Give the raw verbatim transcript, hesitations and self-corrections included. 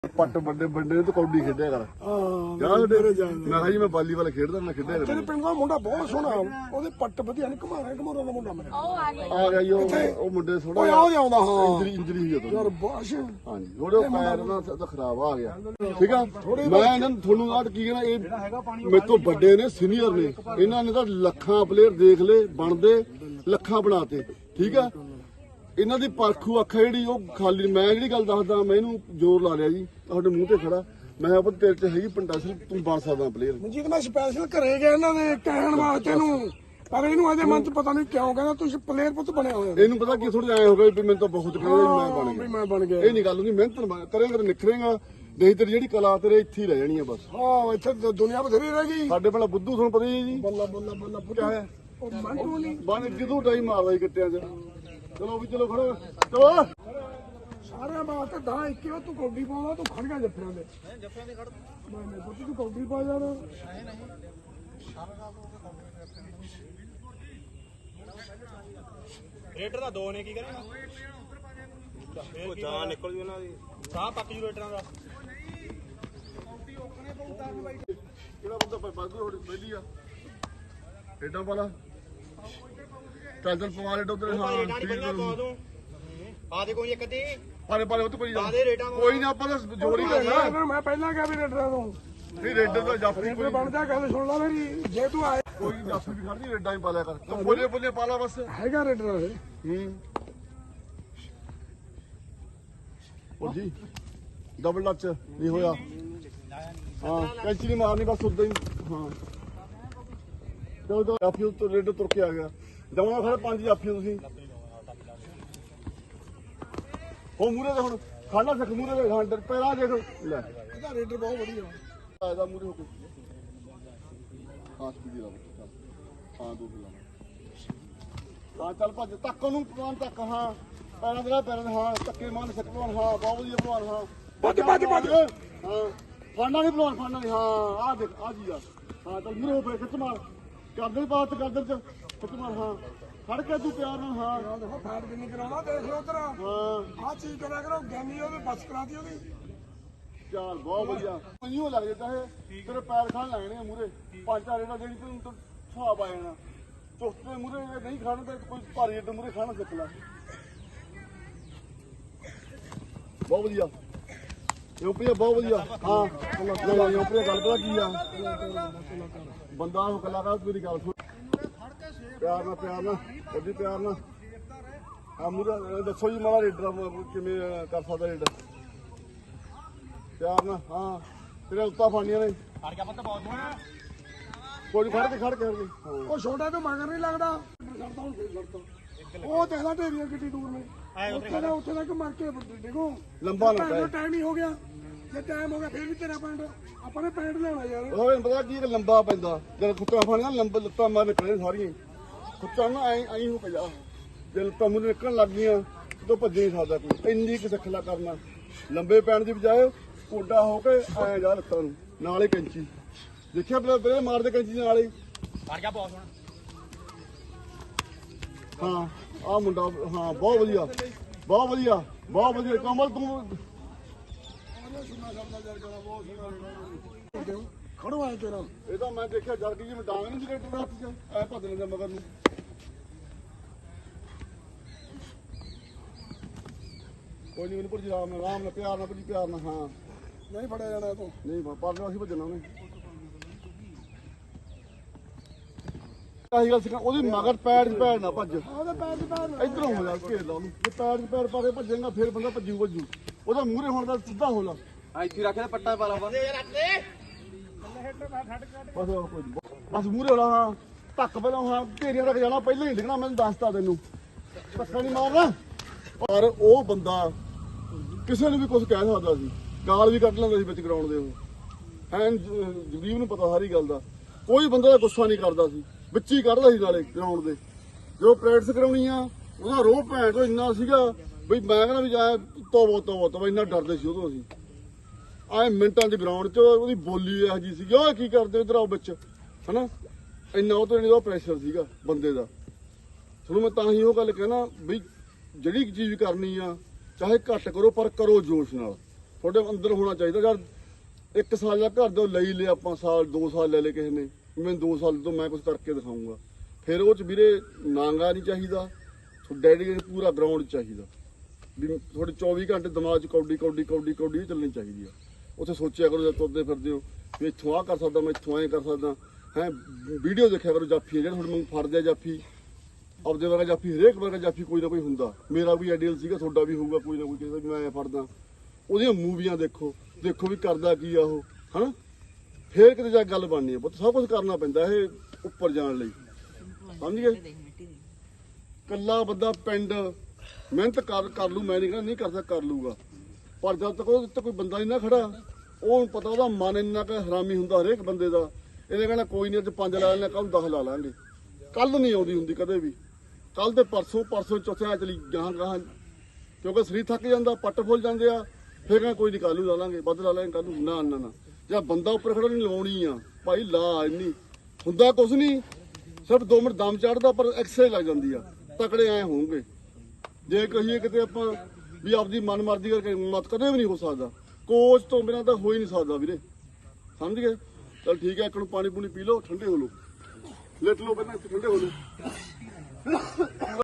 ਪੱਟ ਵੱਡੇ ਵੱਡੇ ਤੇ ਕੌਡੀ ਖੇਡਿਆ ਕਰ। ਹਾਂ ਯਾਰ ਮੈਂ ਕਿਹਾ ਜੀ ਮੈਂ ਵਾਲੀਬਾਲ ਖੇਡਦਾ ਮੈਂ ਖੇਡਿਆ ਕਰ। ਤੇਰੇ ਪਿੰਡ ਦਾ ਮੁੰਡਾ ਬਹੁਤ ਸੋਹਣਾ, ਉਹਦੇ ਪੱਟ ਵਧੀਆ ਨੇ, ਘਮਾਰਾ ਘਮਾਰਾ ਦਾ ਮੁੰਡਾ ਮੇਰਾ ਆ ਗਿਆ ਜੀ ਉਹ ਉਹ ਮੁੰਡੇ ਥੋੜਾ ਓਏ ਆਉ ਜਾਂਦਾ। ਹਾਂ ਇੰਜਰੀ ਇੰਜਰੀ ਹੋਈ ਉਹਦੀ। ਯਾਰ ਬਾਸ਼ ਹਾਂਜੀ ਥੋੜੇ ਪੈਰ ਨਾਲ ਤਾਂ ਖਰਾਬ ਆ ਗਿਆ। ਠੀਕ ਆ ਮੈਂ ਇਹਨਾਂ ਨੂੰ ਤੁਹਾਨੂੰ ਆਹ ਕੀ ਕਹਿਣਾ, ਇਹ ਮੇਰੇ ਤੋਂ ਵੱਡੇ ਨੇ, ਸੀਨੀਅਰ ਨੇ, ਇਹਨਾਂ ਨੇ ਤਾਂ ਲੱਖਾਂ ਪਲੇਅਰ ਦੇਖ ਲਏ ਬਣਦੇ, ਲੱਖਾਂ ਬਣਾਤੇ। ਠੀਕ ਆ ਇਹਨਾਂ ਦੀ ਪਰਖੂ ਅੱਖ ਜਿਹੜੀ ਉਹ ਖਾਲੀ। ਮੈਂ ਜਿਹੜੀ ਗੱਲ ਦੱਸਦਾ ਮੈਂ ਇਹਨੂੰ ਜ਼ੋਰ ਲਾ ਲਿਆ ਜੀ ਤੁਹਾਡੇ ਮੂੰਹ ਤੇ ਖੜਾ। ਮੈਂ ਕਿਹਾ ਤੇਰੇ ਚ ਹੈਗੀ ਪੰਡਾਸਲ, ਤੂੰ ਬਣ ਸਕਦਾ ਪਲੇਅਰ। ਮਨਜੀਤ ਮੈਂ ਸਪੈਸ਼ਲ ਘਰੇ ਗਿਆ ਇਹਨਾਂ ਦੇ ਕਹਿਣ ਵਾਸਤੇ ਨੂੰ, ਪਰ ਇਹਨੂੰ ਇਹਦੇ ਮਨ ਚ ਪਤਾ ਨਹੀਂ ਕਿਉਂ ਕਹਿੰਦਾ ਤੁਸੀਂ ਪਲੇਅਰ ਪੁੱਤ ਬਣਿਆ ਹੋਇਆ। ਇਹਨੂੰ ਪਤਾ ਕੀ ਥੋੜਾ ਐ ਹੋ ਗਿਆ ਵੀ ਮੈਨੂੰ ਤਾਂ ਬਹੁਤ ਕਹਿੰਦਾ ਮੈਂ ਬਣ ਵੀ ਗਿਆ। ਮੈਂ ਬਣ ਗਿਆ। ਇਹ ਨਹੀਂ ਗੱਲ ਹੁੰਦੀ, ਮਿਹਨਤ ਕਰੇਂਗਾ ਤੇ ਨਿਖਰੇਂਗਾ, ਨਹੀਂ ਤੇਰੀ ਜਿਹੜੀ ਕਲਾ ਤੇਰੇ ਇੱਥੇ ਹੀ ਰਹਿ ਜਾਣੀ ਆ ਬਸ। ਹਾਂ ਇੱਥੇ ਤਾਂ ਦੁਨੀਆ ਬਥੇਰੀ ਰਹਿ ਗਈ। ਸਾਡੇ ਪਹਿਲਾਂ ਬੁੱਧੂ ਤੁਹਾਨੂੰ ਪਤਾ ਹੀ ਹੈ ਜੀ, ਬੱਲਾ ਬੱਲਾ ਬੱਲਾ ਪੁੱਟਿਆ ਹੋਇਆ ਉਹ ਮੰਟੂ ਨਹੀਂ ਬਣ ਜਦੋਂ ਡਾਈ ਮਾਰਦਾ ਸੀ ਕਿੱਟਿਆਂ 'ਚ। ਚਲੋ ਵੀ ਚਲੋ ਖੜੋ ਚਲੋ। ਸਾਰਿਆਂ ਵਾਸਤੇ ਦਾ ਇੱਕੇ ਉਹ ਤੂੰ ਕੌਡੀ ਪਾਉਣਾ, ਤੂੰ ਖੜ ਗਿਆ ਜੱਫਿਆਂ ਦੇ। ਮੈਂ ਜੱਫਿਆਂ ਦੇ ਖੜ ਮੈਂ ਮੈਂ ਪੁੱਤ ਤੂੰ ਕੌਡੀ ਪਾ ਯਾਰ। ਨਹੀਂ ਨਹੀਂ ਰੇਟਰ ਦਾ ਦੋ ਨੇ ਕੀ ਕਰੇਗਾ? ਉਹ ਜਾਨ ਨਿਕਲ ਜੂ ਉਹਨਾਂ ਦੀ, ਸਾਹ ਪੱਕ ਜੂ ਰੇਟਰਾਂ ਦਾ। ਕਿਹੜਾ ਬੰਦਾ ਬਾਦੂ ਹੋੜੀ ਪਹਿਲੀ ਆ ਏਡਾ ਵਾਲਾ ਚੱਲ ਚੱਲ ਪਵਾ ਲੈ ਉਧਰ। ਹਾਂ ਰੇਟਾਂ ਨਹੀਂ ਪਹਿਲਾਂ ਪਾ ਦੂੰ। ਆ ਦੇ ਕੋਈ ਇੱਕ ਅੱਧੀ ਪਾਲੇ ਪਾਲੇ ਉੱਤੇ ਪਈ ਪਾ ਜਾ। ਦੇ ਰੇਟਾਂ। ਕੋਈ ਨਾ ਆਪਾਂ ਤਾਂ ਜੋਰ ਹੀ ਕਰਨਾ। ਮੈਂ ਪਹਿਲਾਂ ਕਿਹਾ ਵੀ ਰੇਡਰਾਂ ਤੋਂ ਨਹੀਂ ਰੇਡਰ ਦਾ ਜਾਫੀ ਰੇਡਰ ਬਣ ਜਾ। ਗੱਲ ਸੁਣ ਲੈ ਮੇਰੀ, ਜੇ ਤੂੰ ਆਏ ਕੋਈ ਜਾਫੀ ਵੀ ਖੜਦੀ ਰੇਡਾਂ ਹੀ ਪਾ ਲਿਆ ਕਰ। ਤੂੰ ਬੋਲੇ ਬੋਲੇ ਪਾ ਲਾ ਬਸ। ਹੈਗਾ ਰੇਡਰਾਂ ਦੇ। ਹੂੰ ਉਹ ਜੀ ਡਬਲ ਟੱਚ ਨਹੀਂ ਹੋਇਆ। ਹਾਂ ਕੈਂਚੀ ਨਹੀਂ ਮਾਰਨੀ ਬਸ ਉਦਾਂ ਹੀ। ਹਾਂ ਚਲੋ ਤਾਂ ਜਾਫੀ ਤੋਂ ਰੇਡਰ ਤੁਰ ਕੇ ਆ ਗਿਆ। ਦਵਾਂ ਖੜੇ ਪੰਜ ਜਾਫੀਆਂ ਤੁਸੀਂ। ਉਹ ਮੂਰੇ ਦੇ ਹੁਣ ਖਾਣਾ ਸਿੱਖ ਮੂਰੇ ਦੇ ਖਾਂਡਰ ਪਹਿਲਾਂ ਦੇਖ ਲੈ ਇਹਦਾ ਰੇਡਰ ਬਹੁਤ ਵਧੀਆ। ਆਇਦਾ ਮੂਰੇ ਹੋ ਕੇ ਹਾਂ ਸਪੀਡੀ ਲਾ ਹਾਂ ਦੋ ਲਾ ਹਾਂ ਚੱਲ ਭੱਜ ਤੱਕ ਉਹਨੂੰ ਪਵਾਨ ਤੱਕ। ਹਾਂ ਪੈਰਾਂ ਦੇ ਨਾਲ ਪੈਰਾਂ ਦੇ। ਹਾਂ ਧੱਕੇ ਮਾਰਨ ਸਿੱਖ ਪਵਾਨ। ਹਾਂ ਬਹੁਤ ਵਧੀਆ ਪਵਾਨ। ਹਾਂ ਭੱਜ ਭੱਜ ਭੱਜ। ਹਾਂ ਫਾਂਡਾ ਨਹੀਂ ਪਵਾਨ ਫਾਂਡਾ ਨਹੀਂ। ਹਾਂ ਆਹ ਦੇਖ ਆ ਜੀ ਆ। ਹਾਂ ਚੱਲ ਮੂਰੇ ਹੋ ਕੇ ਖਿੱਚ ਮਾਰ ਕਰਦੇ ਬਾਤ ਕਰਦੇ ਚ ਖਿੱਚ ਮਾਰ। ਹਾਂ ਖੜ ਕੇ ਤੂੰ ਪਿਆਰ ਨਾਲ। ਹਾਂ ਦੇਖੋ ਫੈਟ ਕਿੰਨੀ ਕਰਾਉਣਾ, ਦੇਖ ਲਓ ਉਧਰ। ਹਾਂ ਆਹ ਚੀਜ਼ ਕਰਿਆ ਕਰੋ, ਗੈਮੀ ਉਹਦੇ ਬਸ ਕਰਾਤੀ ਉਹਦੀ। ਚਾਲ ਬਹੁਤ ਵਧੀਆ ਮੈਨੂੰ ਲੱਗ ਜਾਂਦਾ ਹੈ ਤੇਰੇ ਪੈਰ ਖਾਣ ਲੱਗਣੇ ਆ ਮੂਰੇ। ਪੰਜ ਚਾਰ ਇਹਨਾਂ ਜਿਹੜੀ ਤੈਨੂੰ ਹਿਸਾਬ ਆ ਜਾਣਾ। ਚੁਸਤੇ ਮੂਰੇ ਨਹੀਂ ਖਾਣ ਤੇ ਕੋਈ ਭਾਰੀ ਏਡੇ ਮੂਰੇ ਖਾਣਾ ਸਿੱਖ ਲੈ। ਬਹੁਤ ਵਧੀਆ ਯੂਪੀ ਬਹੁਤ ਵਧੀਆ। ਹਾਂ ਨਹੀਂ ਯੂਪੀ ਗੱਲ ਪਤਾ ਕੀ ਆ ਬੰਦਾ ਉਹ ਕਲਾਕਾਰ ਮੇਰੀ ਗੱਲ ਸੁਣ ਪਿਆਰ ਨਾਲ ਪਿਆਰ ਨਾਲ ਉਹਦੀ ਪਿਆਰ ਨਾਲ। ਆ ਮੂਰੇ ਦੱਸੋ ਜੀ ਮਾੜਾ ਰੇਡਰ ਕਿਵੇਂ ਕਰ ਸਕਦਾ ਰੇਡਰ ਪਿਆਰ ਨਾਲ। ਹਾਂ ਤੇਰੇ ਉੱਤਾ ਫਾਨੀਆਂ ਨੇ ਫੜ ਗਿਆ ਪੱਤ ਬਹੁਤ ਹੋਣਾ। ਕੋਈ ਖੜ ਕੇ ਖੜ ਕੇ ਉਹ ਛੋਟਾ ਤੋਂ ਮਗਰ ਨਹੀਂ ਲੱਗਦਾ। ਉਹ ਦੇਖਦਾ ਢੇਰੀਆਂ ਕਿੱਡੀ ਦੂਰ ਨੇ। ਉੱਥੇ ਦਾ ਉੱਥੇ ਤੱਕ ਮਰ ਕੇ ਦੇਖੋ ਲੰਬਾ ਲੰਬਾ ਟਾਈਮ ਹੀ ਹੋ ਗਿਆ। ਜੇ ਟਾਈਮ ਹੋ ਗਿਆ ਫਿਰ ਵੀ ਤੇਰਾ ਪੈਂਟ ਆਪਾਂ ਨੇ ਪੈਂਟ ਲੈਣਾ ਯਾਰ। ਉਹ ਮੈਨੂੰ ਪਤਾ ਕੀ ਲੰਬਾ ਪੈਂਦਾ ਜਦ ਖੁੱਚਾ ਫਾਨੀਆਂ ਲੰਬੇ ਲੱਤਾਂ ਮਾਰ ਨਿਕਲੇ ਸਾਰੀਆਂ। ਖੁੱਚਾ ਨਾ ਐਂ ਐਂ ਹੋ ਪਿਆ ਜੇ ਲੱਤਾਂ ਮੂਹਰੇ ਨਿਕਲਣ ਲੱਗ ਗਈਆਂ ਤਾਂ ਭੱਜ ਨਹੀਂ ਸਕਦਾ ਕੋਈ। ਇੰਨੀ ਕੁ ਸਿੱਖਲਾ ਕਰਨਾ ਲੰਬੇ ਪੈਣ ਦੀ ਬਜਾਏ ਕੋਡਾ ਹੋ ਕੇ ਐਂ ਜਾ ਲੱਤਾਂ ਨੂੰ ਨਾਲ ਹੀ ਕੈਂਚੀ। ਦੇਖਿਆ ਬਲੇ ਮਾਰਦੇ ਕੈਂਚੀ ਨਾਲ ਹੀ। ਫੜ ਗਿਆ ਬਹੁਤ ਹੋਣਾ। ਹਾਂ ਆਹ ਮੁੰਡਾ ਹਾਂ ਬਹੁਤ ਵਧੀਆ ਬਹੁਤ ਵਧੀਆ ਬਹੁਤ ਵਧੀਆ ਕਮਲ ਤੂੰ ਖੜੋ ਆਏ ਤੇਰਾ। ਇਹ ਤਾਂ ਮੈਂ ਦੇਖਿਆ ਜਦ ਕਿ ਜਿਵੇਂ ਡਾਂਗ ਨਹੀਂ ਸੀ ਰੇਟਰ ਹੱਥ 'ਚ ਐ ਭੱਜ ਲੈਂਦਾ ਮਗਰ ਨੂੰ। ਕੋਈ ਨਹੀਂ ਮੈਨੂੰ ਪੁੱਛ ਆਰਾਮ ਨਾਲ ਆਰਾਮ ਨਾਲ ਪਿਆਰ ਨਾਲ ਪੁੱਛ ਪਿਆਰ ਨਾਲ। ਹਾਂ ਨਹੀਂ ਫੜਿਆ ਜਾਣਾ ਇਹ ਤੋਂ। ਨਹੀਂ ਪਰਲੇ ਅਸੀਂ ਭੱਜਣਾ ਉਹਨੇ। ਆਹੀ ਗੱਲ ਸਿੱਖਾ ਉਹਦੀ ਮਗਰ ਪੈਰ 'ਚ ਪੈਰ ਨਾ ਭੱਜ। ਉਹਦੇ ਪੈਰ ਦੀ ਪੈਰ ਇਧਰੋਂ ਹੋ ਜਾ ਘੇਰ ਲਾ ਉਹਨੂੰ। ਜੇ ਪੈਰ 'ਚ ਪੈਰ ਪਾ ਕੇ ਭੱਜੇਗਾ ਫਿਰ ਬੰਦਾ ਭੱਜੂ ਭੱਜੂ। ਉਹਦਾ ਮੂਹਰੇ ਹੋਣ ਦਾ ਸਿੱਧਾ ਹੋ ਲਾ। ਆ ਇੱਥੇ ਰੱਖ ਦੇ ਪੱਟਾ ਪਾ ਲਾ ਬੰਦੇ ਰੱਖ ਦੇ। ਬਸ ਕੋਈ ਨੀ। ਬਸ ਮੂਹਰੇ ਹੋਣਾ। ਹਾਂ ਧੱਕ ਪਹਿਲਾਂ। ਹਾਂ ਢੇਰੀਆਂ ਤੱਕ ਜਾਣਾ ਪਹਿਲਾਂ ਹੀ ਡਿੱਗਣਾ। ਮੈਨੂੰ ਦੱਸਤਾ ਤੈਨੂੰ ਧੱਕਾ ਨਹੀਂ ਮਾਰਨਾ। ਪਰ ਉਹ ਬੰਦਾ ਕਿਸੇ ਨੂੰ ਵੀ ਕੁਝ ਕਹਿ ਸਕਦਾ ਸੀ। ਗਾਲ ਵੀ ਕੱਢ ਲੈਂਦਾ ਸੀ ਵਿੱਚ ਗਰਾਊਂਡ ਦੇ। ਉਹ ਐਨ ਜਗਦੀਪ ਨੂੰ ਪਤਾ ਸਾਰੀ ਗੱਲ ਦਾ। ਕੋਈ ਬੰਦਾ ਦਾ ਗੁੱਸਾ ਨਹੀਂ ਕਰਦਾ ਸੀ, ਵਿੱਚ ਹੀ ਕੱਢਦਾ ਸੀ ਨਾਲੇ ਗਰਾਊਂਡ ਦੇ। ਜੋ ਪ੍ਰੈਕਟਿਸ ਕਰਾਉਣੀ ਆ ਉਹਦਾ ਰੋਹ ਭੈਣ ਤੋਂ ਇੰਨਾ ਸੀਗਾ ਬਈ ਮੈਂ ਕਹਿੰਦਾ ਵੀ ਜਾ ਤੋਬੋ ਤੋਬੋ ਤੋਬੋ ਇੰਨਾ ਡਰਦੇ ਸੀ ਉਦੋਂ ਅਸੀਂ। ਆਏ ਮਿੰਟਾਂ ਦੀ ਗਰਾਊਂਡ 'ਚ ਉਹਦੀ ਬੋਲੀ ਇਹੋ ਜਿਹੀ ਸੀਗੀ ਉਹ ਕੀ ਕਰਦੇ ਇੱਧਰ ਆਓ ਵਿੱਚ ਹਨਾ। ਇੰਨਾ ਉਹ ਤੋਂ ਇੰਨਾ ਪ੍ਰੈਸ਼ਰ ਸੀਗਾ ਬੰਦੇ ਦਾ। ਤੁਹਾਨੂੰ ਮੈਂ ਤਾਂ ਹੀ ਉਹ ਗੱਲ ਕਹਿਣਾ ਬਈ ਜਿਹੜੀ ਚੀਜ਼ ਕਰਨੀ ਆ ਚਾਹੇ ਘੱਟ ਕਰੋ ਪਰ ਕਰੋ ਜੋਸ਼ ਨਾਲ। ਤੁਹਾਡੇ ਅੰਦਰ ਹੋਣਾ ਚਾਹੀਦਾ। ਯਾਰ ਇੱਕ ਸਾਲ ਦਾ ਘਰ ਦੇ ਲਈ ਲਿਆ ਆਪਾਂ, ਸਾਲ ਦੋ ਸਾਲ ਲੈ ਲਏ ਕਿਸੇ ਨੇ, ਮੈਂ ਦੋ ਸਾਲ ਤੋਂ ਮੈਂ ਕੁਝ ਕਰਕੇ ਦਿਖਾਊਂਗਾ। ਫਿਰ ਉਹ ਚ ਵੀਰੇ ਨਾਂਗਾ ਨਹੀਂ ਚਾਹੀਦਾ, ਡੈਡੀਕੇਟ ਪੂਰਾ ਗਰਾਊਂਡ ਚਾਹੀਦਾ ਵੀ ਤੁਹਾਡੇ ਚੌਵੀ ਘੰਟੇ ਦਿਮਾਗ 'ਚ ਕੌਡੀ ਕੌਡੀ ਕੌਡੀ ਕੌਡੀ ਹੀ ਚੱਲਣੀ ਚਾਹੀਦੀ ਆ। ਉੱਥੇ ਸੋਚਿਆ ਕਰੋ ਜਦ ਤੁਰਦੇ ਫਿਰਦੇ ਹੋ ਵੀ ਇੱਥੋਂ ਆਹ ਕਰ ਸਕਦਾ, ਮੈਂ ਇੱਥੋਂ ਐਂ ਕਰ ਸਕਦਾ ਹੈ। ਵੀਡੀਓ ਦੇਖਿਆ ਕਰੋ ਜਾਫੀ ਜਿਹੜੇ ਹੁਣ ਮੈਨੂੰ ਫੜਦੇ ਆ ਜਾਫੀ, ਆਪਦੇ ਵਰਗਾ ਜਾਫੀ, ਹਰੇਕ ਵਰਗਾ ਜਾਫੀ ਕੋਈ ਨਾ ਕੋਈ ਹੁੰਦਾ। ਮੇਰਾ ਵੀ ਆਈਡੀਅਲ ਸੀਗਾ, ਤੁਹਾਡਾ ਵੀ ਹੋਊਗਾ ਕੋਈ ਨਾ ਕੋਈ, ਕਿਸੇ ਵੀ ਮੈਂ ਫੜਦਾ। ਉਹਦੀਆਂ ਮੂਵੀਆਂ ਦੇਖੋ ਦੇਖੋ ਵੀ ਕਰਦਾ ਕੀ ਆ ਉਹ, ਹਨਾ। ਫੇਰ ਕਿਤੇ ਜਾ ਕੇ ਗੱਲ ਬਣਨੀ ਆ ਪੁੱਤ, ਸਭ ਕੁਝ ਕਰਨਾ ਪੈਂਦਾ ਇਹ ਉੱਪਰ ਜਾਣ ਲਈ, ਸਮਝ ਗਏ। ਕੱਲਾ ਬੰਦਾ ਪਿੰਡ ਮਿਹਨਤ ਕਰ ਕਰ ਲੂ, ਮੈਂ ਨਹੀਂ ਕਹਿੰਦਾ ਨਹੀਂ ਕਰਦਾ, ਕਰ ਲੂਗਾ, ਪਰ ਜਦ ਤੱਕ ਉਹਦੇ ਉੱਤੇ ਕੋਈ ਬੰਦਾ ਨਹੀਂ ਨਾ ਖੜਾ, ਉਹਨੂੰ ਪਤਾ ਉਹਦਾ ਮਨ ਇੰਨਾ ਕੁ ਹਰਾਮੀ ਹੁੰਦਾ ਹਰੇਕ ਬੰਦੇ ਦਾ। ਇਹਨੇ ਕਹਿਣਾ ਕੋਈ ਨਹੀਂ ਅੱਜ ਪੰਜ ਲਾ ਲੈਣੇ, ਕੱਲ ਦਸ ਲਾ ਲਾਂਗੇ। ਕੱਲ ਨਹੀਂ ਆਉਂਦੀ ਹੁੰਦੀ ਕਦੇ ਵੀ, ਕੱਲ ਤੇ ਪਰਸੋਂ ਪਰਸੋਂ ਚੌਥਿਆਂ ਚਲੀ ਗਾਹਾਂ ਗਾਹਾਂ, ਕਿਉਂਕਿ ਸਰੀਰ ਥੱਕ ਜਾਂਦਾ, ਪੱਟ ਫੁੱਲ ਜਾਂਦੇ ਆ। ਫਿਰ ਕਹਿੰਦਾ ਕੋਈ ਨਹੀਂ ਕੱਲ ਨੂੰ ਲਾ ਲਾਂਗੇ, ਵੱਧ ਲਾ ਲਾਂਗੇ ਕੱਲ ਨੂੰ। ਨਾ ਨਾ ਨਾ, ਜਾਂ ਬੰਦਾ ਉੱਪਰ ਖੜਾ ਨਹੀਂ ਲਾਉਣੀ ਆ ਭਾਈ, ਲਾ ਇੰਨੀ ਹੁੰਦਾ ਕੁਛ ਨਹੀਂ, ਸਿਰਫ ਦੋ ਮਿੰਟ ਦਮ ਚੜਦਾ, ਪਰ ਐਕਸਰਸਾਈਜ਼ ਲੱਗ ਜਾਂਦੀ ਆ। ਤਕੜੇ ਐ ਹੋਣਗੇ। ਜੇ ਕਹੀਏ ਕਿਤੇ ਆਪਾਂ ਵੀ ਆਪਦੀ ਮਨ ਮਰਜ਼ੀ ਕਰਕੇ ਮਤ ਕਦੇ ਵੀ ਨਹੀਂ ਹੋ ਸਕਦਾ, ਕੋਚ ਤੋਂ ਬਿਨਾਂ ਤਾਂ ਹੋ ਹੀ ਨਹੀਂ ਸਕਦਾ ਵੀਰੇ, ਸਮਝ ਗਏ। ਚਲ ਠੀਕ ਹੈ, ਇੱਕ ਨੂੰ ਪਾਣੀ ਪੂਣੀ ਪੀ ਲਓ, ਠੰਡੇ ਹੋ ਲਓ, ਲੇਟ ਲਓ ਪਹਿਲਾਂ, ਇੱਥੇ ਠੰਡੇ ਹੋ ਲਓ।